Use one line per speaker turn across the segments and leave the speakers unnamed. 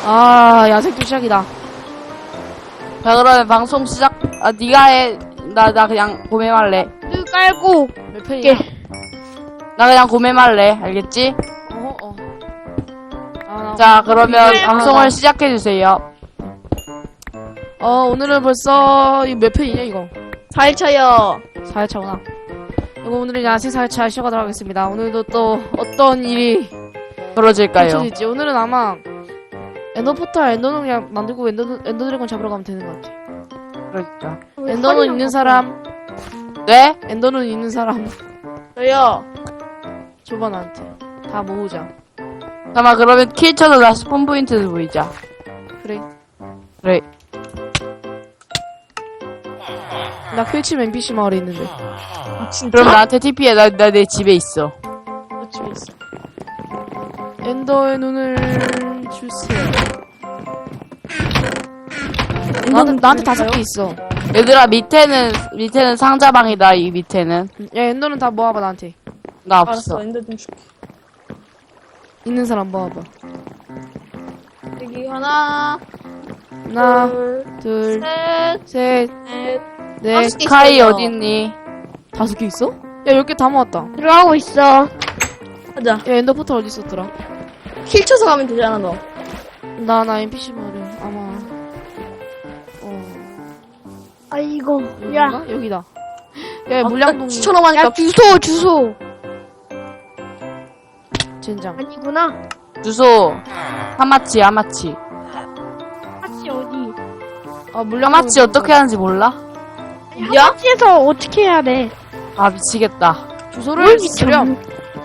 아, 야생도 시작이다.
자, 그러면 방송 시작. 아, 니가 해. 나 그냥 고매말래.
뚜 깔고
몇 편이야?
나 그냥 고매말래. 알겠지? 자, 그러면 방송을 시작해주세요.
오늘은 벌써, 이거 몇 편이냐, 이거?
4일차요.
4회차구나. 이거 오늘은 야생 4회차 시작하도록 하겠습니다. 오늘도 또 어떤 일이
벌어질까요?
펼쳐질지. 오늘은 아마 엔더포탈, 엔더는 그냥 만들고 엔더드래곤 잡으러 가면 되는 것 같아.
그러니까.
엔더는 있는 사람,
네?
엔더는 있는 사람,
저요.
줘봐, 나한테. 다 모으자.
잠깐만, 그러면 킬 쳐서 나 스폰 포인트도 보이자.
그래.
그래.
나 퀴치면 NPC 마을에 있는데.
그럼 나한테 TP해. 나 내 집에 있어.
집에 있어.
엔더의 눈을 주세요. 나한테 5개 있어.
얘들아, 밑에는 상자방이다, 이 밑에는.
야, 엔더는 다 모아봐, 나한테.
나
알았어,
없어.
엔더 좀 줄게.
있는 사람 모아봐.
여기 하나,
하나,
둘,
둘,
셋,
셋,
넷.
넷.
5개
스카이
있어요.
어딨니?
5개 있어? 야, 10개 다 모았다.
들어가고 있어. 가자.
야, 엔더 포털 어디 있었더라?
킬 쳐서 가면 되잖아, 너.
나 NPC 마을에 아마.
아이고.
여기가? 여기다. 야, 물량동.
추천하고 하니까.
야, 주소.
젠장.
아니구나.
주소. 하마치.
하치 어디?
물량동.
하마치 어떻게 하는지 몰라?
야?
하치에서 어떻게 해야 돼?
아, 미치겠다.
주소를 쓰렴.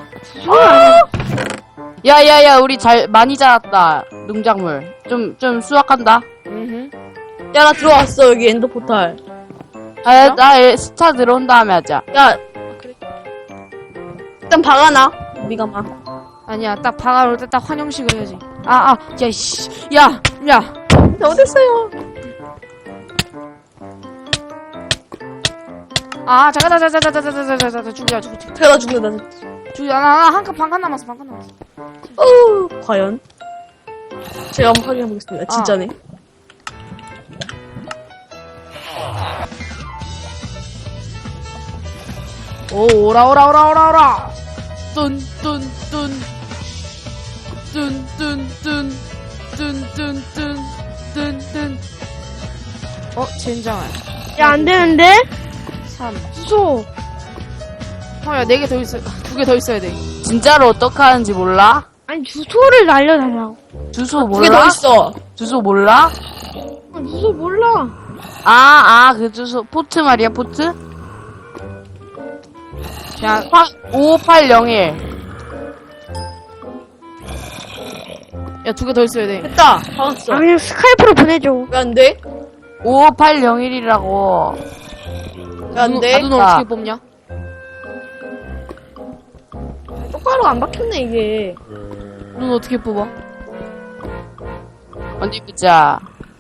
야야야, 우리 많이 자랐다. 농작물. 좀 수확한다.
야, 나 들어왔어, 여기 엔더 포탈.
아, 나 스타 들어온 다음에 하자.
야. 그래. 일단 박아놔. 우리가 막.
아니야, 딱 방아올 때 딱 환영식을 해야지. 야, 씨. 야.
어딨어요?
잠깐, 죽여.
제가 죽는다.
반칸 남았어.
과연? 제가 한번 확인해보겠습니다. 진짜네.
오, 오라. 뚠. 젠장아.
야, 안 되는데?
3.
주소.
야, 4개 더 있어. 2개 더 있어야 돼.
진짜로 어떻게 하는지 몰라?
아니, 주소를 날려달라고.
주소
두 개 더
몰라?
있어.
주소 몰라?
주소 몰라.
그 주소. 포트 말이야, 포트?
자,
5801.
야, 2개 더 있어야 돼.
됐다. 박았어.
아, 그냥 스카이프로 보내줘.
왜 안 돼?
5801이라고.
왜 안 돼?
눈 어떻게 뽑냐?
똑바로 안 박혔네, 이게.
눈 어떻게 뽑아?
어디 보자.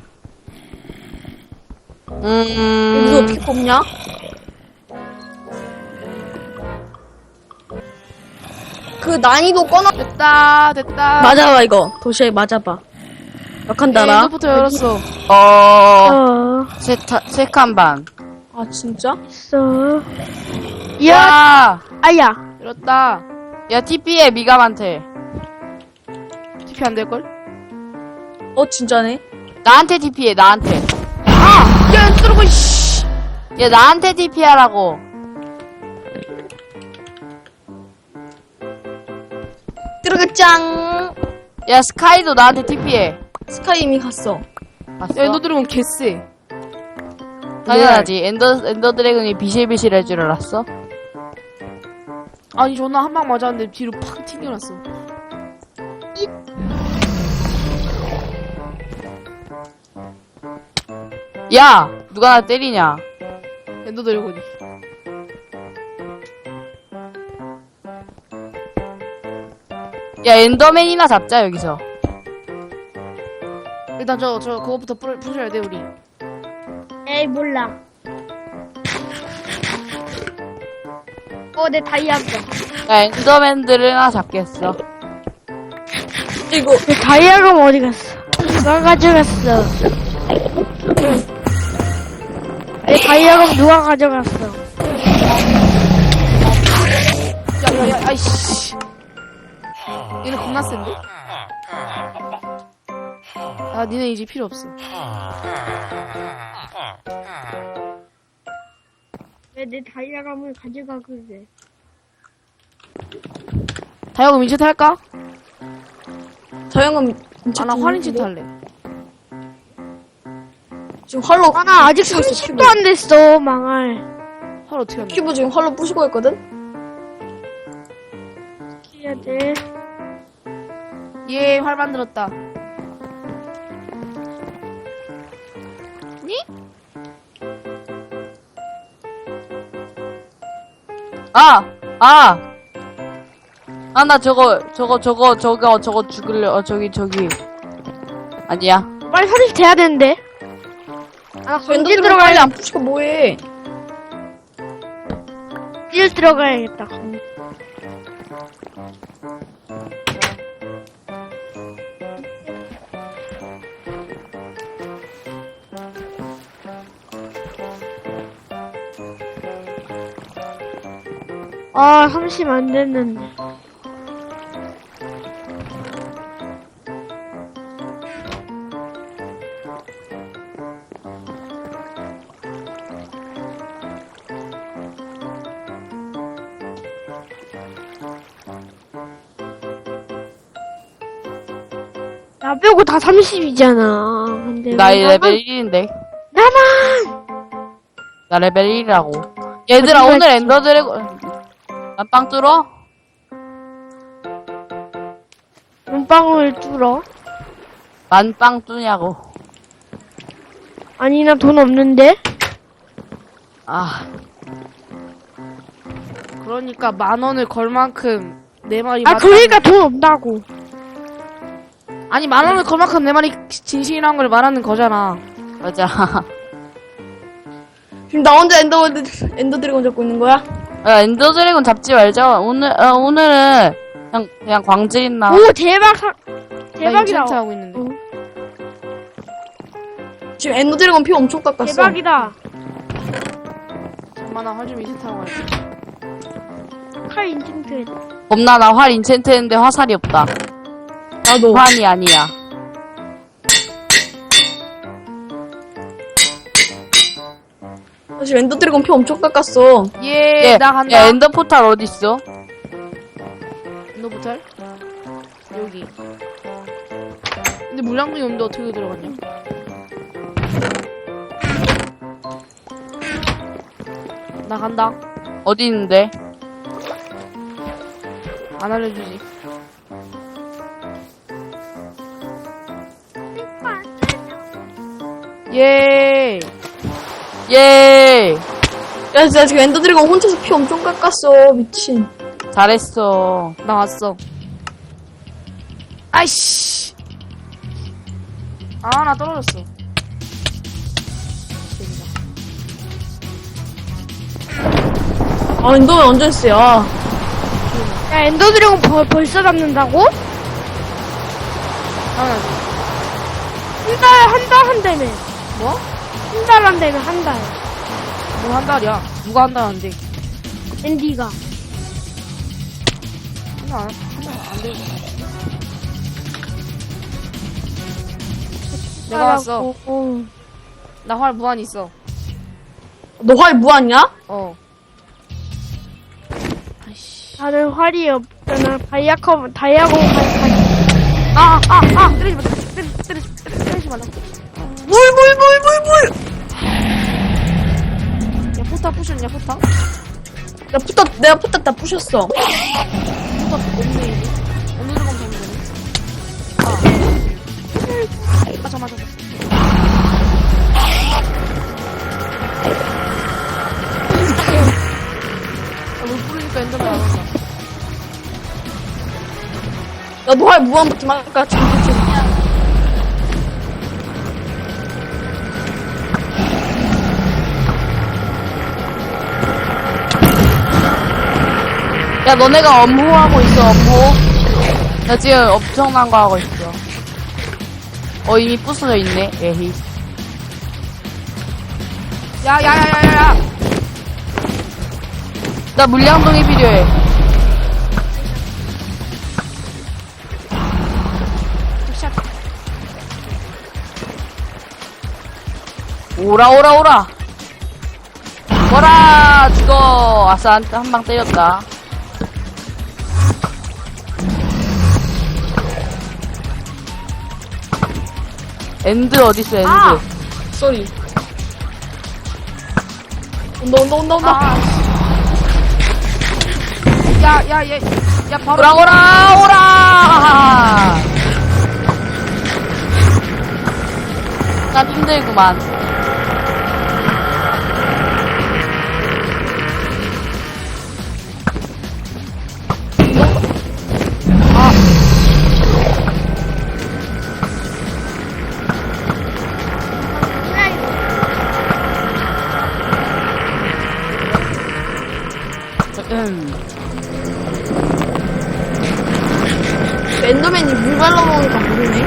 이거 어떻게 뽑냐? 그 난이도 꺼놔.
됐다.
맞아봐, 이거. 도시에 맞아봐. 몇칸 달아?
엔더부터 열었어.
세 칸 반.
아, 진짜?
있어.
야!
아야.
열었다.
야, TP해, 미감한테.
TP 안 될걸?
진짜네?
나한테 TP해, 나한테.
야, 쓰러고, 씨.
야, 나한테 TP하라고.
뚜르그짱!
야, 스카이도 나한테 TP해.
스카이 이미 갔어.
봤어?
야, 엔더드래곤 개쎄.
당연하지. 엔더 드래곤이 비실비실 줄 알았어?
아니, 존나 한 방 맞았는데 뒤로 팍 튕겨났어.
야! 누가 나 때리냐?
엔더드래곤이.
야, 엔더맨이나 잡자, 여기서.
일단 그거부터 부셔야 돼, 우리.
에이, 몰라. 내 다이아가.
야, 엔더맨들을 하나 잡겠어.
이거.
내 다이아가 어디 갔어? 누가 가져갔어? 내 다이아검 누가 가져갔어?
야야야 아이씨. 얘는 겁나 센데? 아 니네 이제 필요 없어.
왜 내 다이아검을 가져가 그래?
다이아고 민체 탈까?
저 형은
아 나 활인체 탈래.
지금 활로
아, 나 아직
부시고 있어,
30도 안 됐어, 망할.
활 어떻게 한다?
큐브 지금 활로 부시고 있거든?
해야 돼.
예, 활 만들었다. 니?
나 저거 죽을래. 저기. 아니야.
빨리 사실 돼야 되는데. 아,
저
건질
엔더드래곤
들어가야
빨리 안 부시고 뭐해?
건질 들어가야겠다. 아, 30 안 됐는데. 나 빼고 다 30이잖아. 근데
나
왜
레벨 1인데.
나만!
나 레벨 1이라고. 얘들아,
거짓말
오늘
치지.
엔더 드래곤. 난 빵 뚫어?
눈빵을 뚫어?
난 빵 뚫냐고.
아니, 나 돈 없는데?
아,
그러니까 10,000원을 걸 만큼 내 말이
아,
맞다는-
그러니까 돈 없다고.
아니 10,000원을 걸 만큼 내 말이 진실이란 걸 말하는 거잖아.
맞아.
지금 나 혼자 엔더드래곤 잡고 있는 거야?
야, 엔더 드래곤 잡지 말자. 오늘은 그냥 광질인 나.
오, 대박,
나
대박이다.
인챈트 하고 있는데.
어.
지금 엔더드래곤 피 엄청 깎았어.
대박이다.
잠깐만 나 활 좀 인챈트 하고 갈게.
칼 인증트.
겁나 나 활 인챈트 했는데 화살이 없다.
나도.
환이 아니야.
나 지금 엔더드래곤 피 엄청 깎았어.
예, 나 간다.
야, 엔더 포탈 어딨어?
너 못할? 여기. 근데 물량분이 없는데 어떻게 들어갔냐? 나 간다.
어디 있는데?
안 알려주지. 예.
예!
야, 진짜 지금 엔더드래곤 혼자서 피 엄청 깎았어. 미친.
잘했어.
나 왔어. 아이씨. 아, 나 떨어졌어.
아, 엔더맨 완전 쎄야.
야, 엔더드래곤 벌써 잡는다고?
당연하지.
한 달 한다며.
뭐?
한 달 한다며, 한 달.
뭐 한 달이야? 누가 한 달인데?
앤디가.
한달 안 되고. 내가 왔어.
어.
나 활 무한 있어.
너 활 무한이야?
어. 아이씨.
다들 활이 없잖아. 다이아검
때리지 마. 때리지 말라.
물!
야, 포탑 부셨냐, 포탑?
내가 포탑 다 부셨어.
포탑 없네, 이제. 어느 들어가면 되는 거니? 잠깐만. 물 뿌리니까 엔더맨 안 온다.
야, 너 활 무한부터 막까 지금 그치?
야, 너네가 업무하고 있어, 업무. 나 지금 엄청난 거 하고 있어. 이미 부서져 있네. 에헤이.
야야야야야야.
나 물량동이 필요해. 오라 오라 오라. 뭐라 죽어. 아싸 한 방 때렸다. 엔드 어딨어 엔드.
아!
쏘리. 온다.
아. 야야야. 야 바로.
오라 오라 오라. 난 힘들구만.
엔더맨이 물 발라먹으니까 모르네.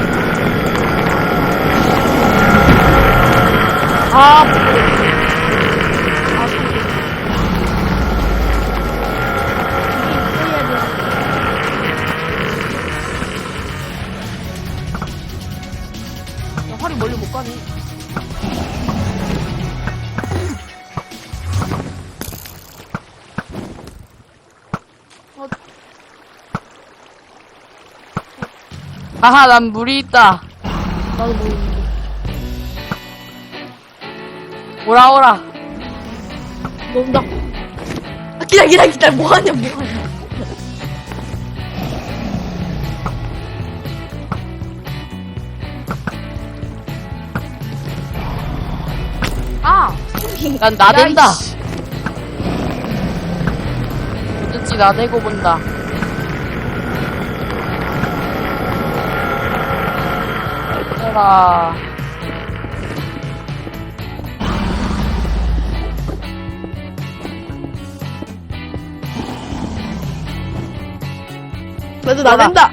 야, 활이 멀리 못 가네.
아하 난 물이 있다.
나도 모르는데.
오라 오라.
온다. 아, 기다려. 뭐하냐.
아.
난 나댄다.
야, 이씨.
뭐든지 나대고 본다. 얘들아.
나도 나댄다.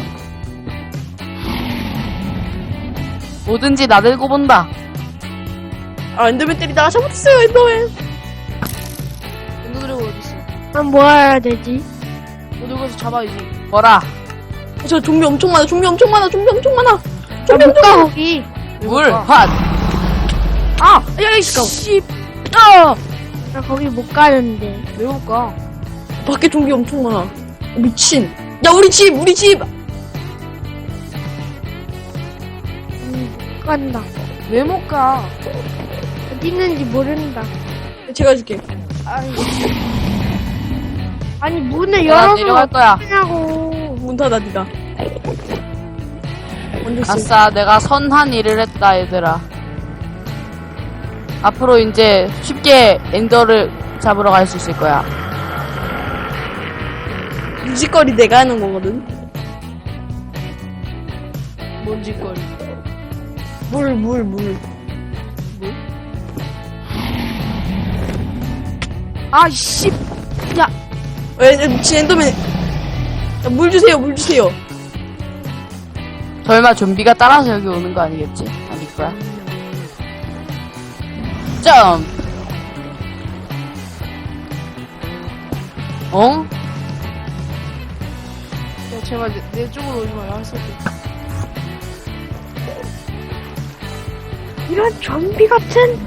뭐든지 나대고 본다.
아, 엔더맨 때리다가 잘못했어요, 엔더맨.
엔더드래곤 어딨어?
그럼 뭐 해야 되지?
어디 가서 잡아야지.
뭐라.
저 좀비 엄청 많아.
못 가, 거기.
물,
가?
핫.
아! 야, 씨!
나 거기 못 가는데.
왜 못 가?
밖에 좀비 엄청 많아. 미친. 야, 우리 집!
못 간다.
왜 못 가?
어디 있는지 모른다.
제가 해줄게.
아니, 문을
내가
열어서
내려갈 거야.
어떡하냐고.
문 닫아, 니가. 먼저 쓰.
아싸, 내가 선한 일을 했다, 얘들아. 앞으로 이제 쉽게 엔더를 잡으러 갈 수 있을 거야.
무지거리 내가 하는 거거든.
뭔 짓거리.
물.
아, 씨! 야!
미친 엔더맨. 야, 물 주세요.
설마 좀비가 따라서 여기 오는 거 아니겠지? 아닐 거야. 점! 어?
야, 제발 내 쪽으로 오지 마라. 할 수 없어.
이런 좀비 같은.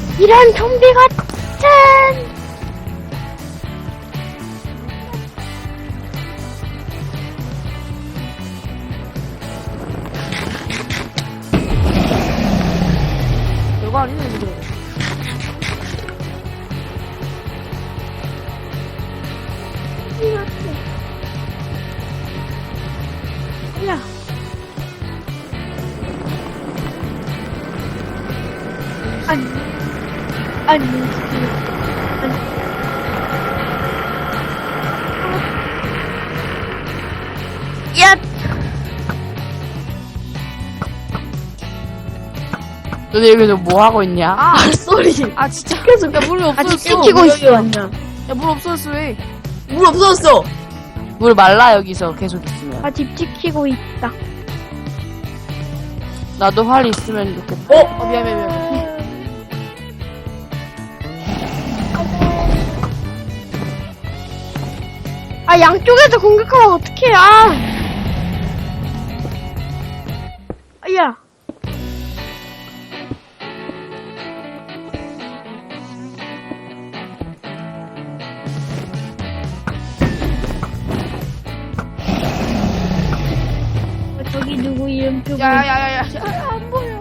별거 아니네, 지금.
야. 아니. 야!
너네 여기서 뭐 하고 있냐?
아!
쏘리.
아, 진짜.
계속
야, 물이 없어졌어.
찍히고 있어.
야, 물 없어졌어, 왜?
물 없어졌어.
물 말라, 여기서 계속 있으면.
아, 집 지키고 있다.
나도 활 있으면 좋겠다.
미안해, 미안해.
아, 양쪽에서 공격하면 어떡해, 야. 저기 누구 이름 표고
야야야야. 안 보여.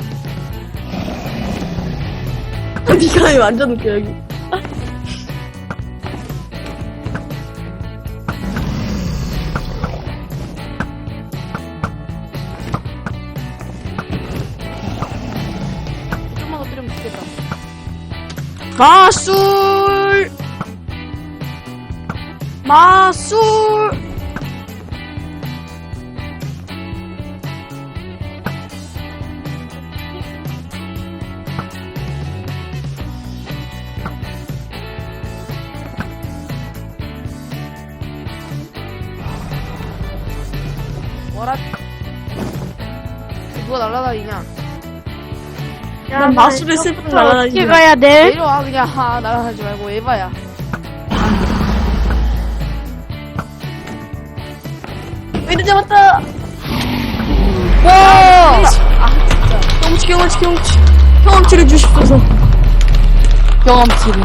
니가 완전 웃겨, 여기.
좀만 더 때리면 죽겠다.
마술! 마술!
뭐라? 누가 날아다니냐?
난 마술을 쓸 뿐 날아다니지.
어떻게 가야 돼?
내려와 그냥. 날아다니지 말고 에바야.
웨이드 잡았다!
와!
경험치를 주십소서.
경험치를.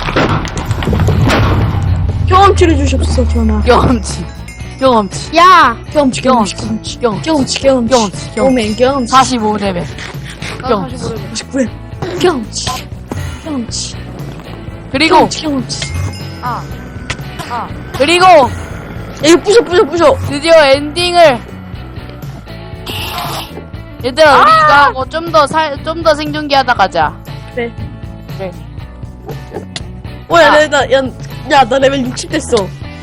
경험치를 주십소서, 전하.
경험치.
야!
경험치. 오멘, 경험치.
45레벨.
나도 다시 보려고.
99회. 경험치.
그리고,
경험치.
그리고,
이거 부셔.
드디어 엔딩을. 얘들아, 우리 이거 하고 좀 더 생존기 하다 가자.
네.
그래.
나 레벨 60 됐어.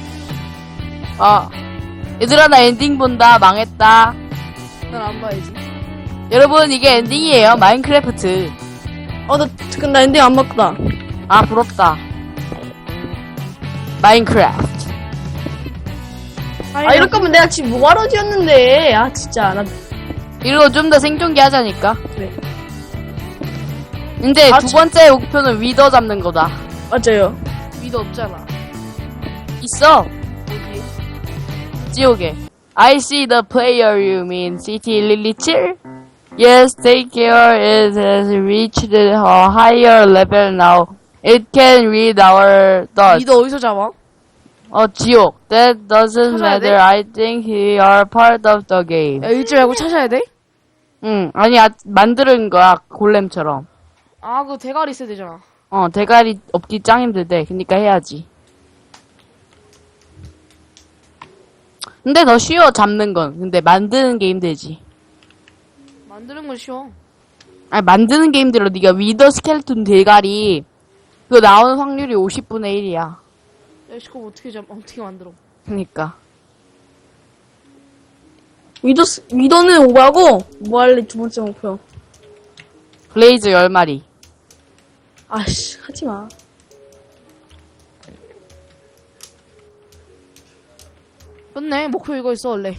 얘들아, 나 엔딩 본다. 망했다.
난 안 봐야지.
여러분, 이게 엔딩이에요. 마인크래프트.
나 엔딩 안 봤다.
부럽다. 마인크래프트.
이럴 거면 내가 지금 뭐하러 지었는데. 진짜.
이러고 좀 더 생존기 하자니까.
그래.
근데 두 번째 목표는 위더 잡는 거다.
맞아요.
위도 없잖아.
있어.
어디?
지옥에. I see the player you mean. City Lilichil? Yes, take care. It has reached a higher level now. It can read our thoughts.
위도 어디서 잡아?
지옥. That doesn't
찾아야 돼?
matter. I think we are part of the game.
야, 읽지 말고 찾아야 돼?
응, 아니야. 만드는 거야. 골렘처럼.
그거 대가리 있어야 되잖아.
대가리 없기 짱 힘들대. 그니까 해야지. 근데 더 쉬워, 잡는 건. 근데 만드는 게 힘들지.
만드는 건 쉬워.
아니, 만드는 게 힘들어. 네가 위더 스켈레톤 대가리, 그거 나오는 확률이 50분의 1이야.
야, 그거 어떻게 만들어?
그니까.
위도는 오바고, 뭐 할래, 두 번째 목표.
블레이즈 10마리.
하지 마.
끝내. 목표 이거 있어, 원래.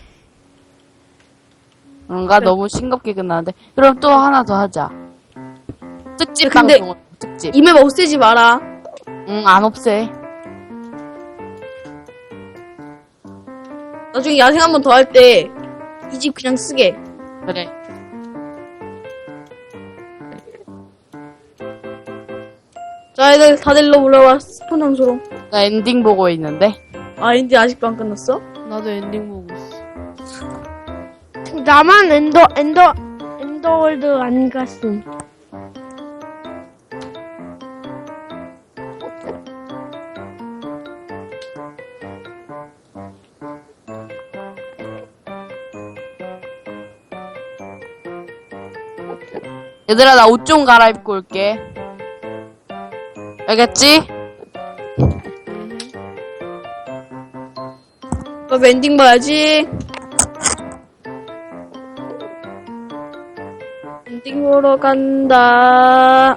뭔가 너무 싱겁게 끝나는데. 그럼 또 하나 더 하자. 특집
근데-
방송, 특집.
이맵 없애지 마라.
응, 안 없애.
나중에 야생 한 번 더 할 때, 이 집 그냥 쓰게.
그래.
자, 애들 다들 일로 올라와. 스폰 장소로.
나 엔딩 보고 있는데.
엔딩 아직도 안 끝났어?
나도 엔딩 보고 있어.
나만 엔더월드 안 갔음.
얘들아, 나 옷 좀 갈아입고 올게. 알겠지?
엔딩 봐야지. 엔딩 보러 간다.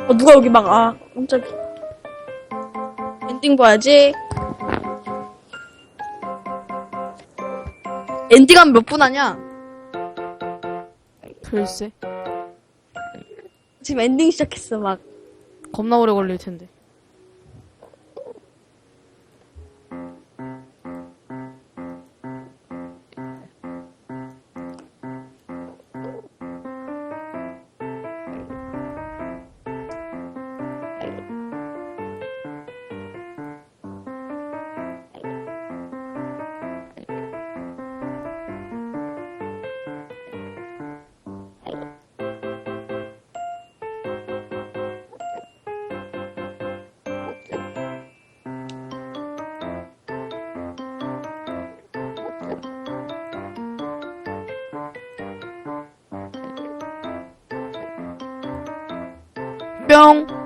누가 여기 깜짝이야. 엔딩 봐야지. 엔딩 하면 몇 분 하냐?
글쎄.
지금 엔딩 시작했어, 막.
겁나 오래 걸릴 텐데. 뿅!